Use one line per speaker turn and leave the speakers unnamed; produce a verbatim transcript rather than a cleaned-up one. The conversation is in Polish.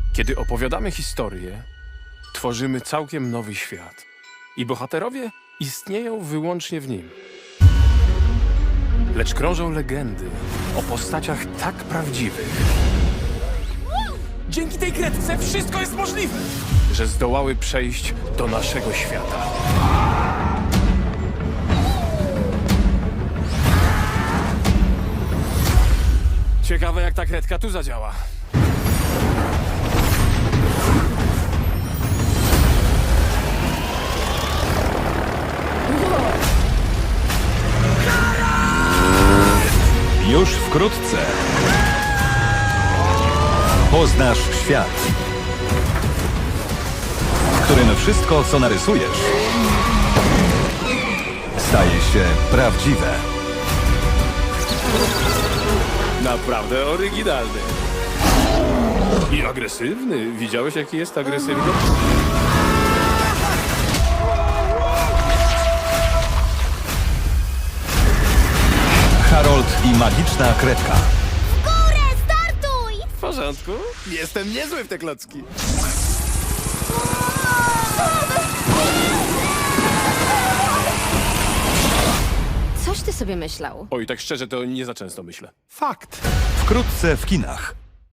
Kiedy opowiadamy historię, tworzymy całkiem nowy świat. I bohaterowie istnieją wyłącznie w nim. Lecz krążą legendy o postaciach tak prawdziwych, dzięki tej kredce wszystko jest możliwe, że zdołały przejść do naszego świata. Ciekawe, jak ta kredka tu zadziała.
Już wkrótce poznasz świat, w którym wszystko, co narysujesz, staje się prawdziwe.
Naprawdę oryginalny. I agresywny. Widziałeś, jaki jest agresywny?
Harold i magiczna kredka.
Górę, startuj!
W porządku. Jestem niezły w te klocki.
Coś ty sobie myślał.
Oj, tak szczerze, to nie za często myślę.
Fakt. Wkrótce w kinach.